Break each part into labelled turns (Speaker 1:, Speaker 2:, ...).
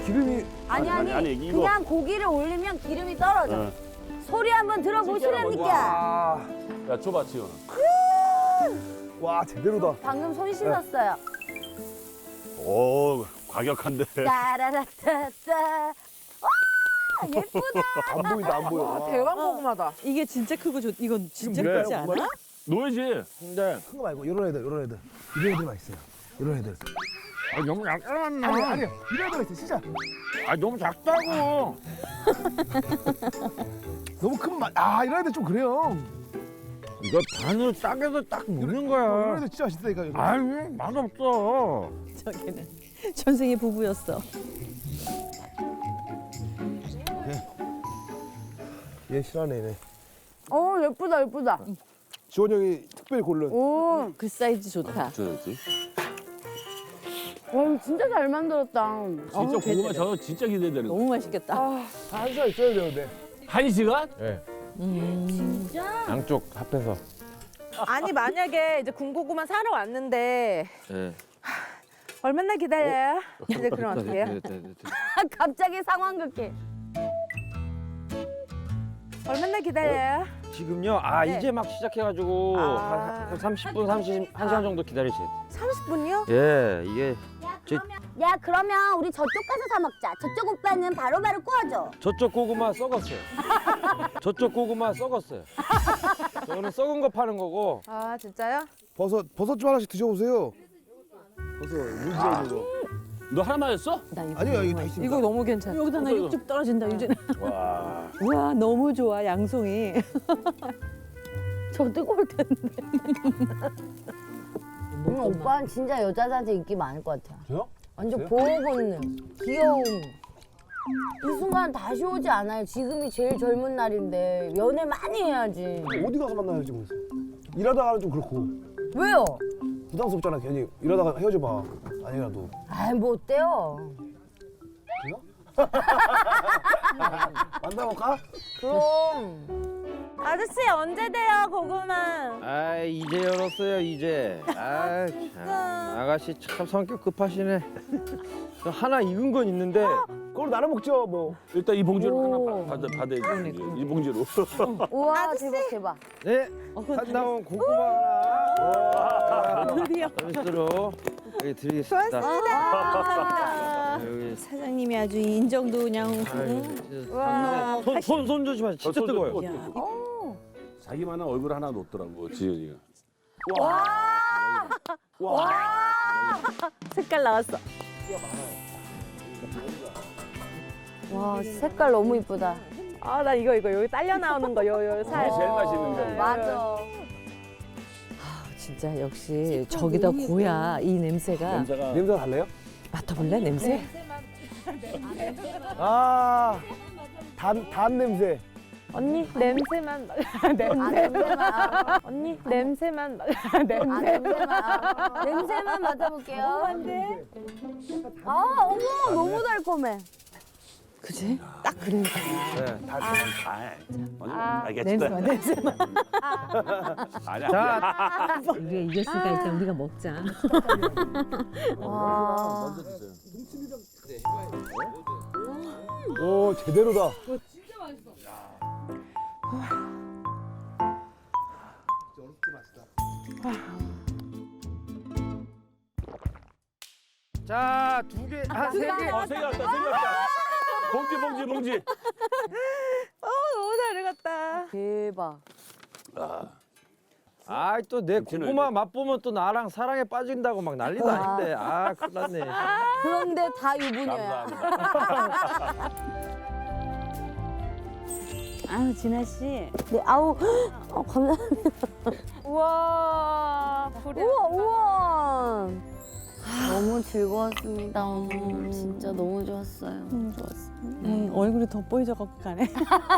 Speaker 1: 기름이
Speaker 2: 아니,
Speaker 3: 이거.
Speaker 2: 그냥 고기를 올리면 기름이 떨어져.
Speaker 3: 어.
Speaker 2: 소리 한번 들어보시랍니까?
Speaker 1: 와,
Speaker 3: 야, 줘봐, 지금.
Speaker 1: 와 제대로다.
Speaker 2: 방금 손 씻었어요.
Speaker 3: 오, 과격한데.
Speaker 2: 따라라따따. 와, 예쁘다.
Speaker 1: 안 보인다 안 보여. 와.
Speaker 4: 대왕 고구마다.
Speaker 5: 이게 진짜 크고 이건 진짜
Speaker 1: 뭐예요,
Speaker 5: 크지 않아?
Speaker 1: 고구마요?
Speaker 3: 노예지.
Speaker 4: 근데
Speaker 1: 큰 거 말고 이런 애들. 이런 애들 맛있어요. 이런 애들.
Speaker 4: 너무 작잖아.
Speaker 1: 아니요. 이런 애들 있어 진짜.
Speaker 4: 너무 작다고.
Speaker 1: 너무 큰 맛. 아 이런 애들 좀 그래요.
Speaker 4: 이거 반으로 싸게서 딱 먹는
Speaker 1: 이런
Speaker 4: 거야.
Speaker 1: 애들 진짜 맛있다니까. 이거.
Speaker 4: 아유 맛없어.
Speaker 5: 저기는 전생의 부부였어.
Speaker 1: 얘 싫어하네 얘네.
Speaker 2: 예쁘다.
Speaker 1: 지원 형이 특별히 고른.
Speaker 2: 오,
Speaker 5: 그 사이즈 좋다.
Speaker 3: 줘야지.
Speaker 2: 와, 이거 진짜 잘 만들었다.
Speaker 3: 진짜
Speaker 5: 어우,
Speaker 3: 고구마
Speaker 5: 제대로.
Speaker 3: 저거 진짜 기대되는 거.
Speaker 5: 너무 맛있겠다.
Speaker 1: 한 시간 있어야 되는데.
Speaker 3: 1시간?
Speaker 4: 예.
Speaker 2: 진짜?
Speaker 4: 양쪽 합해서.
Speaker 6: 아니 만약에 이제 군고구마 사러 왔는데
Speaker 4: 예.
Speaker 6: 얼마나 기다려요? 이제 그럼 어떻게 해요?
Speaker 2: 갑자기 상황극해.
Speaker 6: 얼마나 기다려요?
Speaker 4: 지금요.
Speaker 6: 네.
Speaker 4: 이제 막 시작해가지고
Speaker 6: 아.
Speaker 4: 한 30분, 1시간 정도 기다리셔야 돼.
Speaker 6: 30분이요?
Speaker 4: 예, 이게
Speaker 2: 야, 그러면 우리 저쪽 가서 사 먹자. 저쪽 오빠는 바로바로 구워줘.
Speaker 4: 저쪽 고구마 썩었어요. 저쪽 고구마 썩었어요. 저는 썩은 거 파는 거고.
Speaker 6: 아 진짜요?
Speaker 1: 버섯 좀 하나씩 드셔보세요. 버섯 물지어 있는 거.
Speaker 3: 너 하나만 했어?
Speaker 5: 나 이거
Speaker 1: 아니요 여기 다
Speaker 5: 너무
Speaker 1: 있습니다.
Speaker 6: 이거 너무 괜찮아.
Speaker 5: 여기다 나 육즙 떨어진다 유진아.
Speaker 3: 와.
Speaker 5: 와 너무 좋아 양송이.
Speaker 2: 저 뜨거울 텐데. 오빠는 진짜 여자들한테 인기 많을 것 같아요.
Speaker 1: 저요?
Speaker 2: 완전
Speaker 1: 저요?
Speaker 2: 보호 본능, 귀여움. 이 순간 다시 오지 않아요. 지금이 제일 젊은 날인데 연애 많이 해야지.
Speaker 1: 어디 가서 만나요 지금? 일하다가는 좀 그렇고
Speaker 2: 왜요?
Speaker 1: 부담스럽잖아 괜히. 일하다가 헤어져봐. 아니라도.
Speaker 2: 아이 뭐 어때요?
Speaker 1: 만나볼까?
Speaker 2: 그럼.
Speaker 6: 아저씨 언제 돼요 고구마?
Speaker 4: 이제 열었어요 이제. 참. 아가씨 참 성격 급하시네. 저 하나 익은 건 있는데
Speaker 1: 그걸 나눠 먹죠 뭐.
Speaker 3: 일단 이 봉지로
Speaker 2: 오.
Speaker 3: 하나 받아야지. 이 봉지로.
Speaker 2: 우와 대박.
Speaker 4: 네. 한 나온 고구마 하나.
Speaker 5: 드디어.
Speaker 4: 서비스로 여기 드리겠습니다. 여기
Speaker 5: 사장님이 아주 인정도 그냥.
Speaker 6: 와.
Speaker 4: 손 조심하세요. 진짜
Speaker 3: 손
Speaker 4: 뜨거워요.
Speaker 3: 좀-
Speaker 5: 야,
Speaker 3: 자기만한 얼굴 하나 놓더라고, 지연이가.
Speaker 5: 색깔 나왔어.
Speaker 2: 와 색깔 너무 이쁘다.
Speaker 6: 아 나 이거 여기 딸려 나오는 거 요 살.
Speaker 3: 제일 맛있는 거.
Speaker 2: 맞아.
Speaker 5: 진짜 역시 저기다 고야 이 냄새가.
Speaker 3: 냄새가.
Speaker 1: 냄새 달래요?
Speaker 5: 맡아볼래 냄새?
Speaker 1: 단 냄새.
Speaker 6: 언니 냄새만
Speaker 2: 아 냄새만.
Speaker 6: 언니 냄새만
Speaker 2: 아 냄새만 맡아볼게요. 아 어머 너무 달콤해.
Speaker 5: 그지? 딱 그래.
Speaker 4: 네.
Speaker 3: 알겠다.
Speaker 5: 냄새만.
Speaker 3: 아니야.
Speaker 4: 자,
Speaker 5: 우리가 이길 수가 있다. 우리가 먹자.
Speaker 2: 와.
Speaker 1: 오 제대로다.
Speaker 4: 자, 두 개, 세 개.
Speaker 3: 생겼다. 봉지.
Speaker 6: 너무 잘 익었다.
Speaker 2: 대박.
Speaker 4: 또 내 고구마 맛보면 또 나랑 사랑에 빠진다고 막 난리도 아닌데. 큰일 났네.
Speaker 2: 그런데 다 유부녀야.
Speaker 3: 감사합니다.
Speaker 5: 아유 진아 씨.
Speaker 2: 네 아우 감사합니다.
Speaker 6: 우와.
Speaker 2: 우와. 너무 즐거웠습니다 오늘. 진짜 너무 좋았어요. 너무 좋았어.
Speaker 5: 얼굴이 돋보이져 갖고 가네.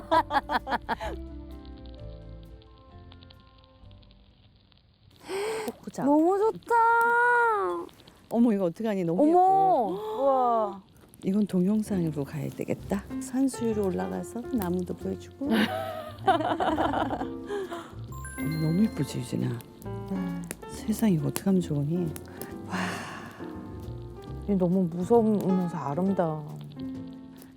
Speaker 5: 보자.
Speaker 2: 너무 좋다.
Speaker 5: 어머 이거 어떡하니 너무 예뻐.
Speaker 2: 어머. 우와.
Speaker 5: 이건 동영상으로 가야 되겠다. 산수유로 올라가서 나무도 보여주고. 어머, 너무 예쁘지 유진아. 세상에 이거 어떡하면 좋으니.
Speaker 6: 너무 무서우면서 아름다워.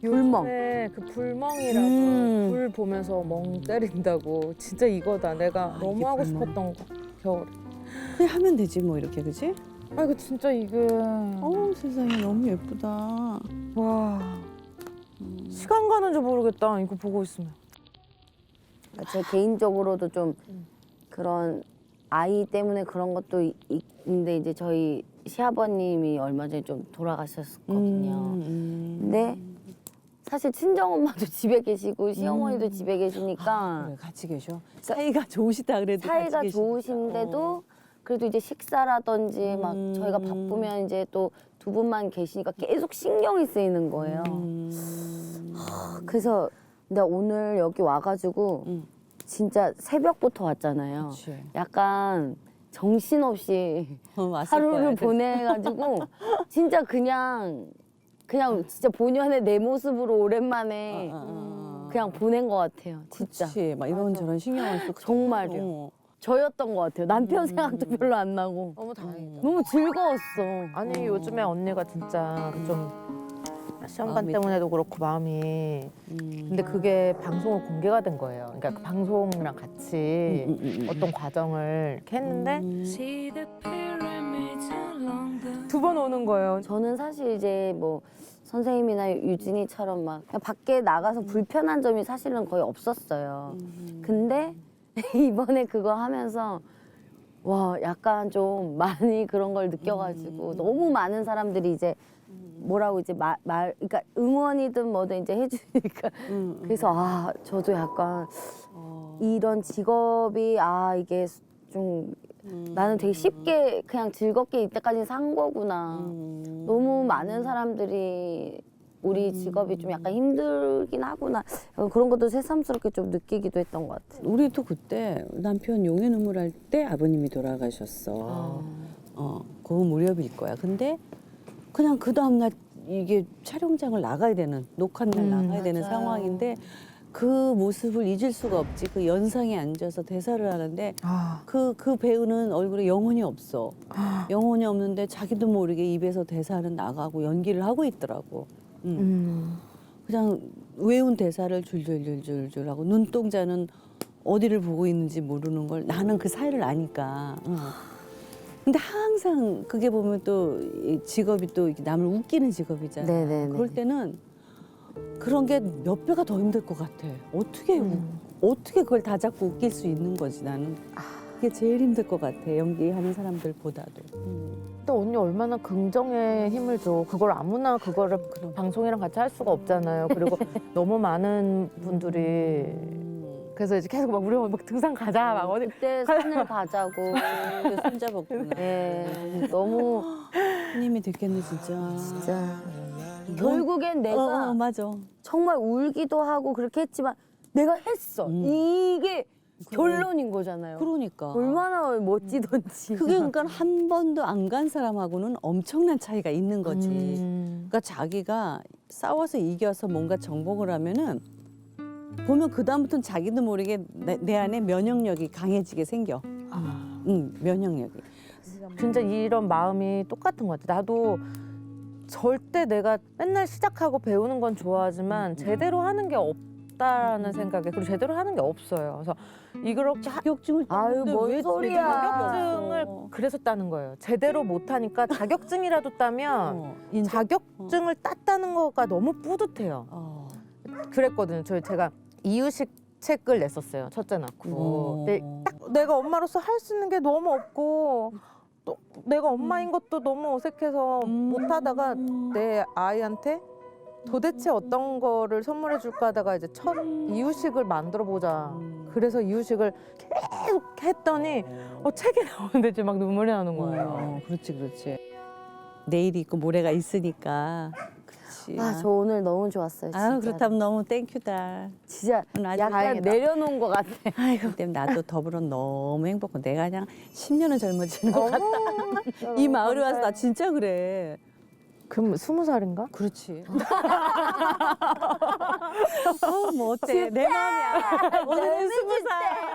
Speaker 2: 불멍.
Speaker 6: 네, 그 불멍이라고 불 보면서 멍 때린다고 진짜 이거다. 내가 너무
Speaker 5: 이게
Speaker 6: 하고
Speaker 5: 불멍.
Speaker 6: 싶었던 거 겨울에.
Speaker 5: 그냥 하면 되지 뭐 이렇게 그지?
Speaker 6: 아 이거 진짜 이게
Speaker 5: 세상에 너무 예쁘다.
Speaker 6: 와 시간 가는 줄 모르겠다. 이거 보고 있으면.
Speaker 2: 제 개인적으로도 좀 그런 아이 때문에 그런 것도 있는데 이제 저희 시아버님이 얼마 전에 좀 돌아가셨거든요. 근데 사실 친정엄마도 집에 계시고 시어머니도 집에 계시니까
Speaker 5: 그래 같이 계셔. 사이가 좋으시다 그래도
Speaker 2: 사이가
Speaker 5: 같이 계시니까.
Speaker 2: 좋으신데도 그래도 이제 식사라든지 막 저희가 바쁘면 이제 또 두 분만 계시니까 계속 신경이 쓰이는 거예요. 그래서 근데 오늘 여기 와가지고 진짜 새벽부터 왔잖아요.
Speaker 5: 그치.
Speaker 2: 약간 정신없이
Speaker 5: 왔을
Speaker 2: 하루를
Speaker 5: 거야.
Speaker 2: 보내가지고 진짜 그냥 진짜 본연의 내 모습으로 오랜만에 그냥 보낸 것 같아요. 진짜
Speaker 5: 그치. 막 이런저런 신경 안 쓰고
Speaker 2: 정말요. 저였던 것 같아요. 남편 생각도 별로 안 나고
Speaker 6: 너무 다행이다.
Speaker 2: 너무 즐거웠어.
Speaker 6: 아니 요즘에 언니가 진짜 좀 시험관
Speaker 5: 마음이-
Speaker 6: 때문에도 그렇고 마음이 근데 그게 방송으로 공개가 된 거예요. 그러니까 그 방송이랑 같이 어떤 과정을 이렇게 했는데 두 번 오는 거예요.
Speaker 2: 저는 사실 이제 뭐 선생님이나 유진이처럼 막 그냥 밖에 나가서 불편한 점이 사실은 거의 없었어요. 근데 이번에 그거 하면서 와 약간 좀 많이 그런 걸 느껴가지고 너무 많은 사람들이 이제 뭐라고 이제 그러니까 응원이든 뭐든 이제 해주니까 그래서 아 저도 약간 이런 직업이 아 이게 좀 나는 되게 쉽게 그냥 즐겁게 이때까지 산 거구나. 너무 많은 사람들이 우리 직업이 좀 약간 힘들긴 하구나. 그런 것도 새삼스럽게 좀 느끼기도 했던 것 같아요.
Speaker 5: 우리도 그때 남편 용의 눈물 할 때 아버님이 돌아가셨어. 그 무렵일 거야. 근데 그냥 그 다음날 이게 촬영장을 나가야 되는 녹화날 나가야 되는
Speaker 2: 맞아요.
Speaker 5: 상황인데 그 모습을 잊을 수가 없지. 그 연상에 앉아서 대사를 하는데 그 배우는 얼굴에 영혼이 없어. 영혼이 없는데 자기도 모르게 입에서 대사는 나가고 연기를 하고 있더라고. 그냥 외운 대사를 줄줄줄줄줄 하고 눈동자는 어디를 보고 있는지 모르는 걸 나는 그 사이를 아니까. 근데 항상 그게 보면 또 이 직업이 또 이렇게 남을 웃기는 직업이잖아.
Speaker 2: 네네네.
Speaker 5: 그럴 때는 그런 게 몇 배가 더 힘들 것 같아. 어떻게 그걸 다 잡고 웃길 수 있는 거지 나는. 그게 제일 힘들 것 같아. 연기하는 사람들보다도.
Speaker 6: 또 언니 얼마나 긍정의 힘을 줘. 그걸 아무나 그거를 방송이랑 같이 할 수가 없잖아요. 그리고 너무 많은 분들이 그래서 이제 계속 막 우리 막 등산 가자 막 어디
Speaker 2: 그때 산을 가자고.
Speaker 5: 손잡았구나.
Speaker 2: 네, 너무
Speaker 5: 힘이 됐겠네 진짜.
Speaker 2: 진짜 결국엔 내가
Speaker 5: 맞아.
Speaker 2: 정말 울기도 하고 그렇게 했지만 내가 했어. 이게 결론인 거잖아요.
Speaker 5: 그러니까.
Speaker 2: 얼마나 멋지던지.
Speaker 5: 그게 그러니까 한 번도 안 간 사람하고는 엄청난 차이가 있는 거지. 그러니까 자기가 싸워서 이겨서 뭔가 정복을 하면은 보면 그 다음부터는 자기도 모르게 내 안에 면역력이 강해지게 생겨. 면역력이.
Speaker 6: 진짜 이런 마음이 똑같은 것 같아. 나도 절대 내가 맨날 시작하고 배우는 건 좋아하지만 제대로 하는 게 없다라는 생각에 그리고 제대로 하는 게 없어요. 그래서 이렇게
Speaker 5: 자격증을
Speaker 2: 아유,
Speaker 5: 땄는데
Speaker 2: 뭔
Speaker 5: 왜
Speaker 2: 소리야.
Speaker 6: 자격증을 그래서 따는 거예요. 제대로 못하니까 자격증이라도 따면 자격증을 땄다는 거가 너무 뿌듯해요. 그랬거든요. 제가 이유식 책을 냈었어요. 첫째 낳고. 근데 딱 내가 엄마로서 할 수 있는 게 너무 없고 또 내가 엄마인 것도 너무 어색해서 못하다가 내 아이한테 도대체 어떤 거를 선물해 줄까 하다가 이제 첫 이유식을 만들어 보자. 그래서 이유식을 계속 했더니 책이 나오는데 이제 막 눈물이 나는 거예요.
Speaker 5: 그렇지. 내일이 있고 모레가 있으니까. 그렇지.
Speaker 2: 아, 저 오늘 너무 좋았어요. 진짜.
Speaker 5: 그렇다면 너무 땡큐다.
Speaker 2: 진짜
Speaker 5: 아주
Speaker 2: 약간
Speaker 5: 다행이다.
Speaker 2: 내려놓은 것 같아.
Speaker 5: 아이고, 때문에 나도 더불어 너무 행복하고 내가 그냥 10년은 젊어지는 것 같다. 이 마을에 와서 나 진짜 그래.
Speaker 6: 그럼 20살인가?
Speaker 5: 그렇지. 뭐 어때? 내 마음이야. 오늘은 20살.